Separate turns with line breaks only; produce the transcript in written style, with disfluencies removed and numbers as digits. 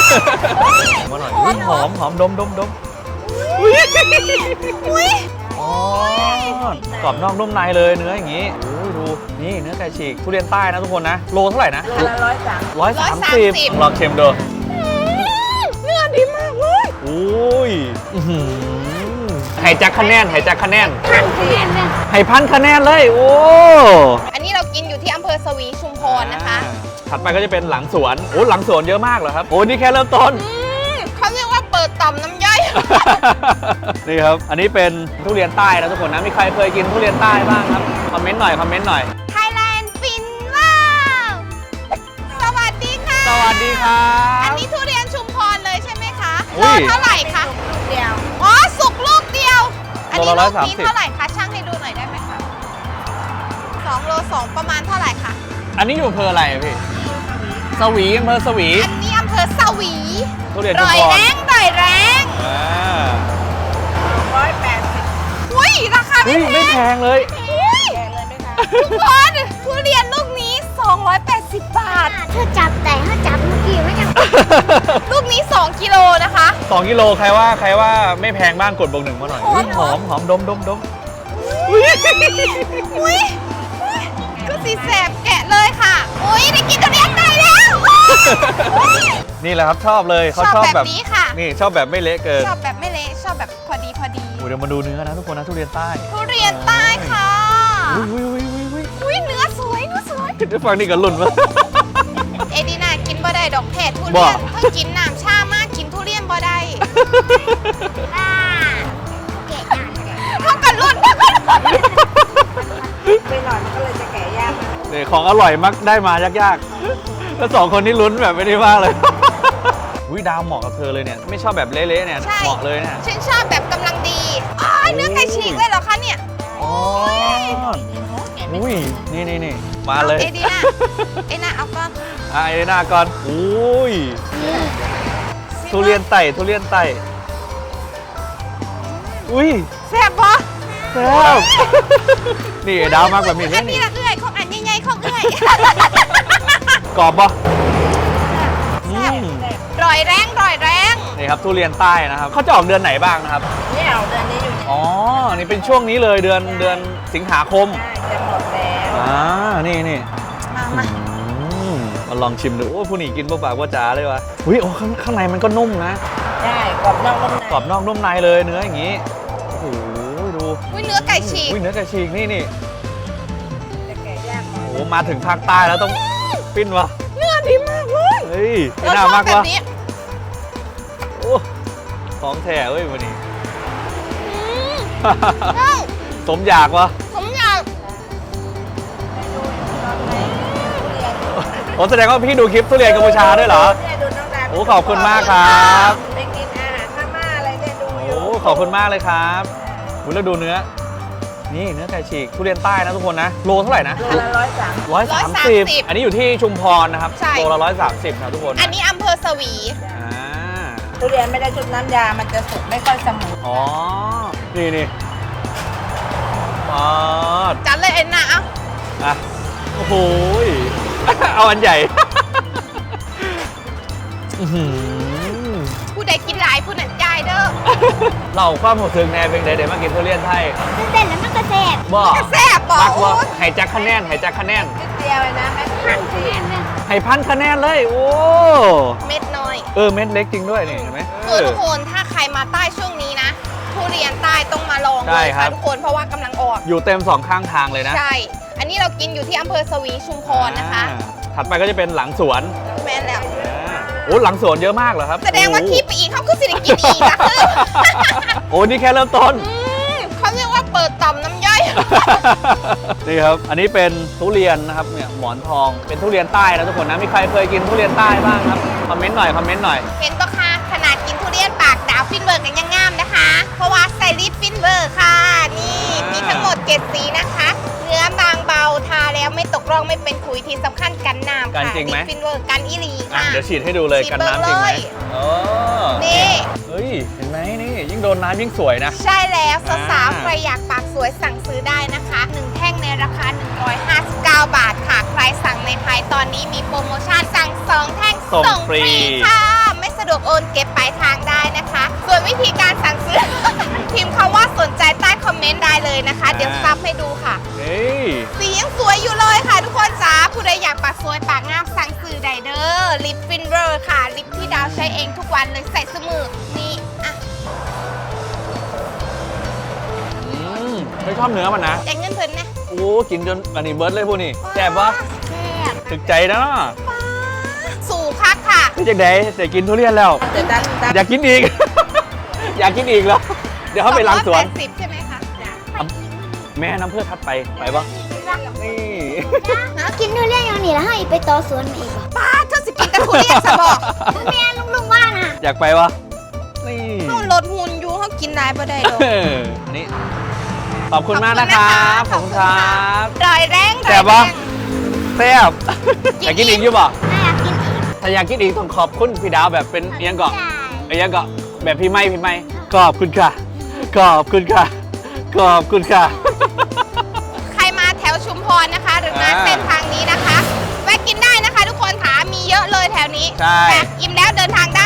มาหน่อยหอมหอมดมอ๋อกรอบนอกนุ่มในเลยเนื้ออย่างนี้โอ้ยดูนี่เนื้อไก่ฉีกทุเรียนใต้นะทุกคนนะโลเท่าไหร่นะ
โลละ
130ลองเค็มดู
เนื้อดีมากเลย
โอ้ยไห่จักคะแนนไห่จักคะแนนไห่พันคะแนนเลยโอ้
อันนี้เรากินอยู่ที่อำเภอสวีชุมพรนะคะ
ถัดไปก็จะเป็นหลังสวนโอ้หลังสวนเยอะมากเหรอครับโอ้นี่แค่เริ่มต้น
เขาเรียกว่าเปิดต่อมน้ำย่อย
นี่ครับอันนี้เป็นทุเรียนใต้นะทุกคนนะมีใครเคยกินทุเรียนใต้บ้างครับคอมเมนต์หน่อย
ไทยแลนด์ฟินว้าวสวัสดีค่ะ
สวัสดีครับ
อันนี้ทุเรียนชุมพรเลยใช่ไหมคะโล
อุ้ย
เท่าไหร่คะลูกเดียวอ๋อสุกลูกเดียวอันนี้
โล
ลู
ละ
กนี้เท่าไหร่คะช่างให้ดูหน่อยได้ไหมคะ2 โล 2ประมาณเท่าไหร่คะ
อันนี้อยู่อำเภออะไรอะพี่สวีอำเภอสวี
อันนี้อำเภอสวี
ทุเรียนชุมพร
ร่อยแรง180อุ้ยราคาไม่แพง
เลย
แพงเลยไหมคะทุกคนทุเรียนลูกนี้280 บาท
เธอจับแต่ถ้าจับเมื่อกี้ไม่จับ
ลูกนี้2 กิโลนะคะ
2 กิโลใครว่าไม่แพงบ้างกดบวก 1มาหน่อยหอมดม
อุ้ยก็สีแสบแกะเลยค่ะอุ้ยได้กินทุเรียนได้แล้ว
นี่แหละครับชอบเลยเขาชอบแบบ
นี้ค่ะ
นี่ชอบแบบไม่เละเกิน
ชอบแบบไม่เละชอบแบบพอดี
เดี๋ยวมาดูเนื้อนะทุกคนนะทุเรียนใต้
ทุเรียนใต้ค่ะอุ้ยเนื้อสวย
ได้ฟังนี่กันหลุ่นวะ
เอดีน่ากินบ่ได้ดอกแพททุเรียนเพิ่งกินน้ำชามากกินทุเรียนบ่ได้เท่ากันรุ่น
ไปหน่อยมันก็เลยจะแก่ยาก
เนี่ยของอร่อยมักได้มายากๆแล้ว2 คนนี้ลุ้นแบบไม่ได้มากเลยอุ้ยดาวเหมาะกับเธอเลยเนี่ยไม่ชอบแบบเละๆเนี่ยเหมาะเลยเนี่ย
ฉันชอบแบบกำลังดีเนื้อไก่ฉีกเลยเหรอคะเนี่ย
อุ้ยนี่มาเลย
เอดีน่าเอาก่อน
เอดีน่าก่อนอุ้ยทุเรียนไต่อุ้ย
แซ่บปะ
แซ่บนี่ดาวมากแบบนี้
อันนี้ละเอื้อยของอันใหญ่ๆของเอื้อย
กรอบปะ
ร่อยแรง
นี่ครับทุเรียนใต้นะครับเขาจะออกเดือนไหนบ้างนะครับ
เนี่ยเอาเดือนนี้อยู่
อ๋อนี่เป็นช่วงนี้เลยเดือนสิงหาคม
จะหมดแล้ว
นี่มาลองชิมดูโอ้ผู้หนีกินปากว่าจ๋าเลยวะอุ้ยโอ้ข้างในมันก็นุ่มนะ
ใช่กรอบนอก
นุ่มในเลยเนื้ออย่างนี้โอ้โหดู
เนื้อไก่ฉีก
เนื้อไก่ฉีกนี่
จะแก่ยาก
โอ้มาถึงภาคใต้แล้วต้องปิ้นวะ
เนื้อดีมากเลย
เฮ้ยน่ามากวะโอ้ของแท้เว้ยวันนี้สมอยากวะผมแสดงว่าพี่ดูคลิปทุเรียนกัมพูชาด้วยเหรอโอ้ขอบคุณมากครับ
ไปกินอาหารพม่าอะไรเนี่ยดูอยู่
โอ้ขอบคุณมากเลยครับแล้วดูเนื้อนี่เนื้อไก่ฉีกทุเรียนใต้นะทุกคนนะโลเท่าไหร่นะ
โลละ
130อันนี้อยู่ที่ชุมพรนะครับโลละ130นะทุกคน
อันนี้อำเภอสวี
ทุเรียนไม่ได้ชุบน้ำยามันจะสุกไม่ค่อยเสมอ
อ๋อนี่
จัดเลยเอ็นนะ
อ่ะโอ้โหเอาอันใหญ่
ผู้ใดกินหลายผู้นั้นจ่ายเด้อ
เราความหัวถึงแน่เป็นเดี๋ยวมากินทุเรียนไทย
เต้นแล้วมันก็แซ่บ
รักว่าไห่จักคะแนน
นิดเดียวเลยนะให้
พันคะแนนเลยโอ้
เม็ดน้อย
เม็ดเล็กจริงด้วยนี่เห็นไหม
ทุกคนถ้าใครมาใต้ช่วงนี้นะทุเรียนใต้ต้องมาลองเลยค่ะทุกคนเพราะว่ากำลังออก
อยู่เต็ม2 ข้างทางเลยนะ
ใช่อันนี้เรากินอยู่ที่อำเภอสวีชุมพรนะคะ
ถัดไปก็จะเป็นหลังสวน
แม่นแล้ว
โอ้หลังสวนเยอะมากเหรอครับ
แสดงว่าที่ไปอีกเขาคือสิริกินอีกนะ
โอ้นี่แค่เริ่มต้น
เขาเรียกว่าเปิดต่อมน้ำย่อย
นี่ครับอันนี้เป็นทุเรียนนะครับเนี่ยหมอนทองเป็นทุเรียนใต้นะทุกคนนะมีใครเคยกินทุเรียนใต้บ้างครับคอมเมนต์หน่อย
เห็นปะคะขนาดกินทุเรียนปากดาวฟินเบอร์กันยังงามนะคะเพราะว่าใส่ลิปฟินเบอร์ค่ะนี่มีทั้งหมด7 สีนะคะเนื้อบางเบาทาแล้วไม่ตกร่องไม่เป็นขุยที่สำคัญกันน้ำค่ะ
จริงไหม
ฟินเวอร์กันอีลีค่ะ
เดี๋ยวฉีดให้ดูเลยกันน้ำจริงไหม
นี่
เฮ้ยเห็นไหมนี่ยิ่งโดนน้ำยิ่งสวยนะ
ใช่แล้วสาวๆใครอยากปากสวยสั่งซื้อได้นะคะ1แท่งในราคา159 บาทค่ะใครสั่งในไทยตอนนี้มีโปรโมชั่นสั่ง2 แท่งส่งฟรีค่ะไม่สะดวกโอนเก็บปลายทางได้นะคะ ส่วนวิธีการสั่งซื้อ พิมพ์คำว่าสนใจใต้คอมเมนต์ได้เลยนะคะ เดี๋ยวซับให้ดูค่ะ
เฮ้ย
สียังสวยอยู่เลยค่ะทุกคนจ้าผู้ใดอยากปากสวยปากงามสั่งซื้อได้เด้อลิปฟินเวอร์ค่ะ ลิปที่ดาวใช้เองทุกวันเลยใส่สมือนี่อ่ะ
ไม่ชอบเนื้อมันนะ
แต่เงินเพิ่นนะ
โอ้กินจนอันนี้เบิร์ดเลยพวกนี้แซ่บปะ
แซ่บ
ถึกใจนะ
ป้าสู่คักค่ะ
พี่จักไดแต่กินทุเรียนแล้ว
เดี๋ยวตั้ง
อยากกินอีก อยากกินอีกแล้ว เดี๋ยวเขาไปล้างสวน
280ใช่ไหมคะ
แม่น้ำเพื่อทัดไปปะนี่
กินทุเรียนอย่างนี้แล้วให้ไปต่อสวนมาอีกเหรอ
ป้าเธอสิกินแต่ทุเรียนสะบอก
แม่ลุงว่าน่ะ
อยากไปวะนี่
เขาลดหุ่นอยู่เขากินได้บ่ได้หรอก
นี่ขอบคุณมากนะครับ
ขอบคุณนะคะ
บ
รอยแรง
แซ่บปะ แซ่บอยากกินอีกอยู่ป่ะ
น่าอยากกินอีก
ถ้าอยากกินอีกต้องขอบคุณพี่ดาวแบบเป็นเอียงเกาะเอียงเกาะแบบพี่ไม่ขอบคุณค่ะ ขอบคุณค่ะ ขอบคุณค่ะ
ใครมาแถวชุมพรนะคะ หรือมา
อ่า
เส้นทางนี้นะคะแวะกินได้นะคะ ทุกคนค่ะมีเยอะเลยแถวนี้
ใช่
แต่อิ่มแล้วเดินทางได้